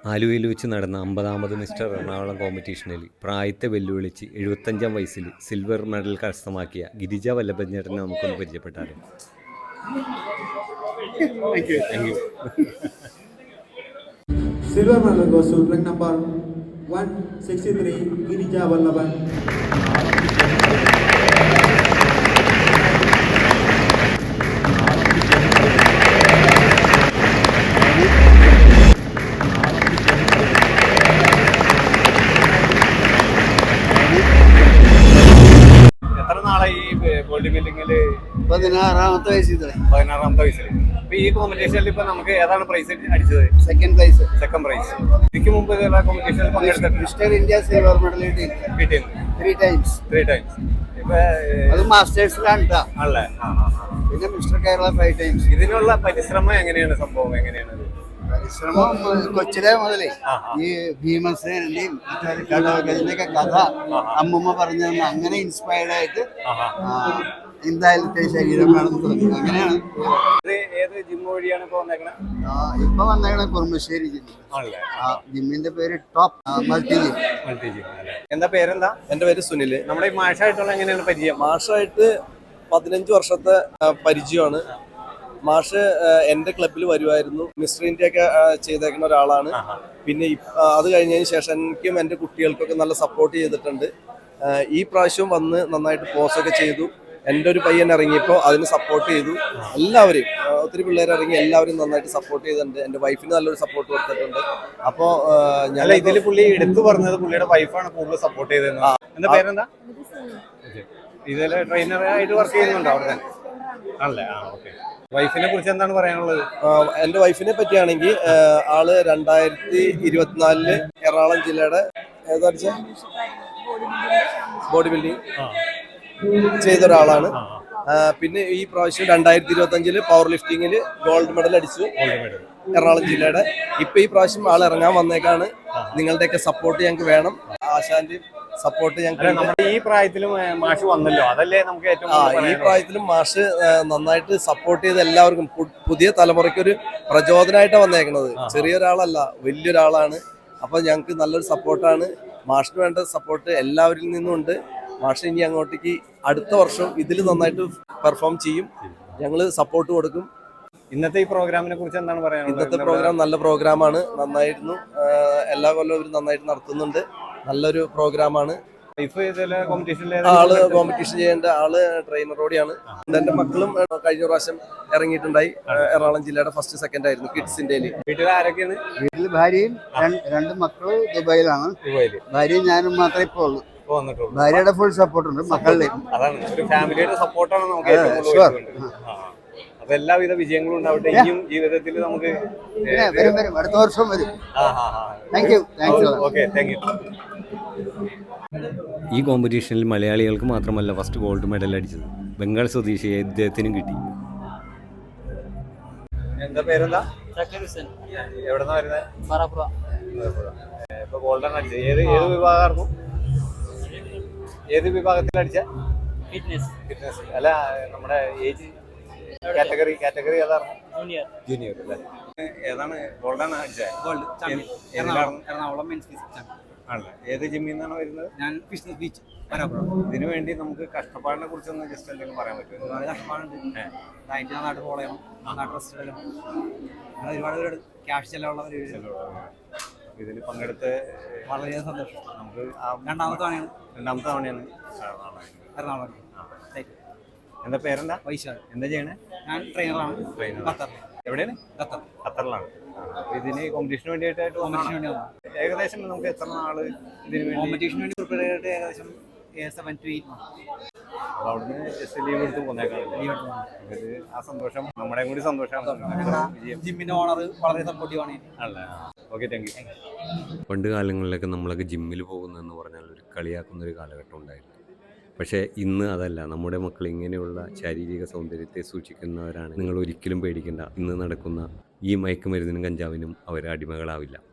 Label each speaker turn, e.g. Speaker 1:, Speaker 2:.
Speaker 1: ആലുവയിൽ വെച്ച് നടന്ന 50ാമത് മിസ്റ്റർ എറണാകുളം കോമ്പറ്റീഷനിൽ പ്രായത്തെ വെല്ലുവിളിച്ച് 75ാം വയസ്സിൽ സിൽവർ മെഡൽ കരസ്ഥമാക്കിയ ഗിരിജ വല്ലഭഞ്ഞേട്ടനെ നമുക്കൊന്ന് പരിചയപ്പെട്ടാലോ.
Speaker 2: Silver medal goes to rank number 163, Girija Vallabhan.
Speaker 3: എത്ര നാളായി ഈ ബോഡി ബിൽഡിങ്ങിൽ?
Speaker 4: 16ാമത്തെ വയസ്സിൽ
Speaker 3: 16ാമത്തെ വയസ്സിൽ. അപ്പൊ ഈ കോമ്പറ്റീഷനിൽ ഇപ്പൊ നമുക്ക് ഏതാണ് പ്രൈസ് അടിച്ചത്?
Speaker 4: Second prize.
Speaker 3: Second prize. ഇതിക്ക് മുമ്പ് കോമ്പറ്റീഷനിൽ പങ്കെടുത്തിട്ടുണ്ട്?
Speaker 4: മിസ്റ്റർ ഇന്ത്യ സിൽവർ മെഡൽ
Speaker 3: കിട്ടിയിട്ടുണ്ട്
Speaker 4: 3 ടൈംസ്.
Speaker 3: ഇപ്പൊ
Speaker 4: അത് മാസ്റ്റേഴ്സിലാണ് ട്ടാ.
Speaker 3: ആണല്ലേ?
Speaker 4: പിന്നെ മിസ്റ്റർ കേരള 5 ടൈംസ്.
Speaker 3: ഇതിനുള്ള പരിശ്രമം എങ്ങനെയാണ്? സംഭവം എങ്ങനെയാണ്?
Speaker 4: പരിശ്രമം കൊച്ചിലെ മുതലേ ഈ ഭീമസേനന്റെയും ഇതിന്റെയൊക്കെ കഥ അമ്മൂമ്മ പറഞ്ഞു തന്ന അങ്ങനെ ഇൻസ്പയർഡ് ആയിട്ട് എന്തായാലത്തെ ശരീരം വേണം തോന്നി. അങ്ങനെയാണ്.
Speaker 3: ഏത് ജിം വഴിയാണ് ഇപ്പൊ വന്നേക്കണേ?
Speaker 4: ഇപ്പൊ വന്നേക്കണ കുറുമ്പശ്ശേരി ജിം. ജിമ്മിന്റെ പേര് ടോപ്പ് മൾട്ടി ജിം.
Speaker 3: എന്താ പേരെന്താ?
Speaker 5: എന്റെ പേര് സുനിൽ.
Speaker 3: നമ്മുടെ ഈ മാഷായിട്ടുള്ള എങ്ങനെയാണ് പരിചയം?
Speaker 5: മാഷായിട്ട് 15 വർഷത്തെ പരിചയമാണ്. മാഷ് എൻ്റെ ക്ലബിൽ വരുമായിരുന്നു. മിസ്റ്റർ ഇന്ത്യ ഒക്കെ ചെയ്തേക്കുന്ന ഒരാളാണ്. പിന്നെ അത് കഴിഞ്ഞതിന് ശേഷം എനിക്കും എൻ്റെ കുട്ടികൾക്കൊക്കെ നല്ല സപ്പോർട്ട് ചെയ്തിട്ടുണ്ട്. ഈ പ്രാവശ്യം വന്ന് നന്നായിട്ട് പോസ്റ്റൊക്കെ ചെയ്തു. എൻ്റെ ഒരു പയ്യൻ ഇറങ്ങിയപ്പോൾ അതിന് സപ്പോർട്ട് ചെയ്തു. എല്ലാവരെയും ഒത്തിരി പിള്ളേർ ഇറങ്ങി എല്ലാവരും നന്നായിട്ട് സപ്പോർട്ട് ചെയ്തിട്ടുണ്ട്. എൻ്റെ വൈഫിന് നല്ലൊരു സപ്പോർട്ട് കൊടുത്തിട്ടുണ്ട്. അപ്പോൾ
Speaker 3: ഞാൻ ഇതിൽ പുള്ളി എടുത്തു പറഞ്ഞത് പുള്ളിയുടെ വൈഫാണ് കൂടുതൽ സപ്പോർട്ട് ചെയ്തത്. എന്താ പേരെന്താ? ഇതിൽ ട്രെയിനറായിട്ട് വർക്ക് ചെയ്യുന്നുണ്ടോ അവിടെ തന്നെ? ആണല്ലേ? ഓക്കെ. വൈഫിനെ കുറിച്ച് എന്താണ് പറയാനുള്ളത്?
Speaker 5: എൻ്റെ വൈഫിനെ പറ്റിയാണെങ്കിൽ ആള് 2024 എറണാകുളം ജില്ലയുടെ ഏതാഴ്ച ബോഡി ബിൽഡിംഗ് ചെയ്ത ഒരാളാണ്. പിന്നെ ഈ പ്രാവശ്യം 2025 പവർ ലിഫ്റ്റിങ്ങിൽ ഗോൾഡ് മെഡൽ അടിച്ചു എറണാകുളം ജില്ലയുടെ. ഇപ്പൊ ഈ പ്രാവശ്യം ആൾ ഇറങ്ങാൻ വന്നേക്കാണ്. നിങ്ങളുടെയൊക്കെ സപ്പോർട്ട് ഞങ്ങൾക്ക് വേണം. ആശാന്റെ സപ്പോർട്ട് ഞങ്ങൾക്ക്.
Speaker 3: നമ്മുടെ ഈ പ്രായത്തിലും മാഷ് വന്നല്ലോ, അതല്ലേ നമുക്ക് ഏറ്റവും.
Speaker 5: ഈ പ്രായത്തിലും മാഷ് നന്നായിട്ട് സപ്പോർട്ട് ചെയ്ത് എല്ലാവർക്കും പുതിയ തലമുറയ്ക്കൊരു പ്രചോദനമായിട്ടാണ് വന്നേക്കുന്നത്. ചെറിയൊരാളല്ല, വലിയൊരാളാണ്. അപ്പൊ ഞങ്ങൾക്ക് നല്ലൊരു സപ്പോർട്ടാണ്. മാഷിന് വേണ്ട സപ്പോർട്ട് എല്ലാവരിൽ നിന്നും ഉണ്ട്. മാഷ് ഇനി അങ്ങോട്ടേക്ക് അടുത്ത വർഷം ഇതിൽ നന്നായിട്ട് പെർഫോം ചെയ്യും. ഞങ്ങൾ സപ്പോർട്ട് കൊടുക്കും.
Speaker 3: ഇന്നത്തെ ഈ പ്രോഗ്രാമിനെ കുറിച്ച് എന്താണ് പറയാനുള്ളത്?
Speaker 5: ഇന്നത്തെ പ്രോഗ്രാം നല്ല പ്രോഗ്രാമാണ്. നന്നായിരുന്നു. എല്ലാ കൊല്ലവും ഇവർ നന്നായിട്ട് നടത്തുന്നുണ്ട്. നല്ലൊരു പ്രോഗ്രാമാണ്. ആള് കോമ്പറ്റീഷൻ ചെയ്യേണ്ട ആള് ട്രെയിനറോടെയാണ്. എന്റെ മക്കളും കഴിഞ്ഞ പ്രാവശ്യം ഇറങ്ങിയിട്ടുണ്ടായി. എറണാകുളം ജില്ലയുടെ ഫസ്റ്റ് സെക്കൻഡ് ആയിരുന്നു കിഡ്സിന്റെ.
Speaker 3: വീട്ടിൽ ആരൊക്കെയാണ്?
Speaker 4: വീട്ടിൽ ഭാര്യയും 2 മക്കളും ദുബായിലാണ്. ഭാര്യയും ഞാനും മാത്രമേ ഇപ്പോൾ ഉള്ളൂ. ഭാര്യയുടെ ഫുൾ സപ്പോർട്ട് ഉണ്ട്. മക്കളുടെ
Speaker 3: ഫാമിലിയുടെ സപ്പോർട്ടാണ് നമുക്ക് ഏറ്റവും കൂടുതൽ. അപ്പൊ എല്ലാവിധ വിജയങ്ങളും ഉണ്ടാവട്ടെ. ഇനിയും ജീവിതത്തിൽ നമുക്ക്
Speaker 4: വരും അടുത്ത വർഷം വരും. Thank you.
Speaker 3: Okay, thank you.
Speaker 1: ഈ കോമ്പറ്റീഷനിൽ മലയാളികൾക്ക് മാത്രമല്ല ഫസ്റ്റ് ഗോൾഡ് മെഡൽ അടിച്ചത്, ബംഗാൾ സ്വദേശിയെ ഇദ്ദേഹത്തിനും കിട്ടി.
Speaker 3: എന്താ പേരെന്താ? എവിടെന്നാ വരുന്നത്? ഇപ്പൊ ഗോൾഡൻ അടിച്ചത് ഏത് വിഭാഗമായിരുന്നു? ഏത് വിഭാഗത്തിൽ അടിച്ച? ഫിറ്റ്നസ് അല്ല, നമ്മുടെ ഏജ് കാറ്റഗറി ഏതായിരുന്നു? ജൂനിയർ അല്ലേ? ഏതാണ് ഗോൾഡൻ അടിച്ചത്?
Speaker 6: എറണാകുളം
Speaker 3: ആണല്ലേ? ഏത് ജിമ്മിൽ നിന്നാണ് വരുന്നത്?
Speaker 6: ഞാൻ ഫിറ്റ്നസ് ബീച്ച്.
Speaker 3: ഇതിനു വേണ്ടി നമുക്ക് കഷ്ടപ്പാടിനെ കുറിച്ചൊന്ന് ജസ്റ്റ് എന്തെങ്കിലും പറയാൻ പറ്റുമോ?
Speaker 6: ഒരുപാട് കഷ്ടപ്പാടുണ്ട്. ഡയറ്റ് നന്നായിട്ട് ഫോളോ ചെയ്യണം, നന്നായിട്ട് റെസ്റ്റ് എടുക്കണം. അങ്ങനെ ഒരുപാട് പേര് ക്യാഷ് ചെലവുള്ളവർ.
Speaker 3: ഇതിൽ പങ്കെടുത്ത്
Speaker 6: വളരെ സന്തോഷം.
Speaker 3: നമുക്ക്
Speaker 6: രണ്ടാമത്തെ
Speaker 3: തവണയാണ്
Speaker 6: എറണാകുളം.
Speaker 3: എന്താ പേരെന്താ?
Speaker 6: വൈശാഖ്.
Speaker 3: എന്താ ചെയ്യണേ?
Speaker 6: ഞാൻ ട്രെയിനറാണ്.
Speaker 3: എവിടെയാണ്? ഖത്തറിലാണ്. ഇതിന് കോമ്പറ്റീഷന് വേണ്ടിയിട്ടായിട്ട് ഏകദേശം നമുക്ക് എത്ര നാള് ഇതിന് വേണ്ടി
Speaker 6: കോമ്പറ്റീഷന് വേണ്ടി പ്രിപ്പയർ ചെയ്തിട്ട്? ഏകദേശം 7 to 8 months.
Speaker 3: അവിടുന്ന് ജസ്റ്റ് ലീവ് എടുത്ത് പോന്നേക്കാണ്. ആ സന്തോഷം നമ്മുടെ കൂടി സന്തോഷമാണ്.
Speaker 6: ജിമ്മിന്റെ ഓണർ വളരെ സപ്പോർട്ടീവാണ്.
Speaker 3: അല്ലേ? Okay, thank you.
Speaker 1: പണ്ട് കാലങ്ങളിലൊക്കെ നമ്മളൊക്കെ ജിമ്മിൽ പോകുന്നതെന്ന് പറഞ്ഞാൽ ഒരു കളിയാക്കുന്നൊരു കാലഘട്ടം ഉണ്ടായിരുന്നു. പക്ഷേ ഇന്ന് അതല്ല. നമ്മുടെ മക്കൾ ഇങ്ങനെയുള്ള ശാരീരിക സൗന്ദര്യത്തെ സൂക്ഷിക്കുന്നവരാണ്. നിങ്ങൾ ഒരിക്കലും പേടിക്കേണ്ട. ഇന്ന് നടക്കുന്ന ഈ മയക്കുമരുന്നിനും കഞ്ചാവിനും അവർ അടിമകളാവില്ല.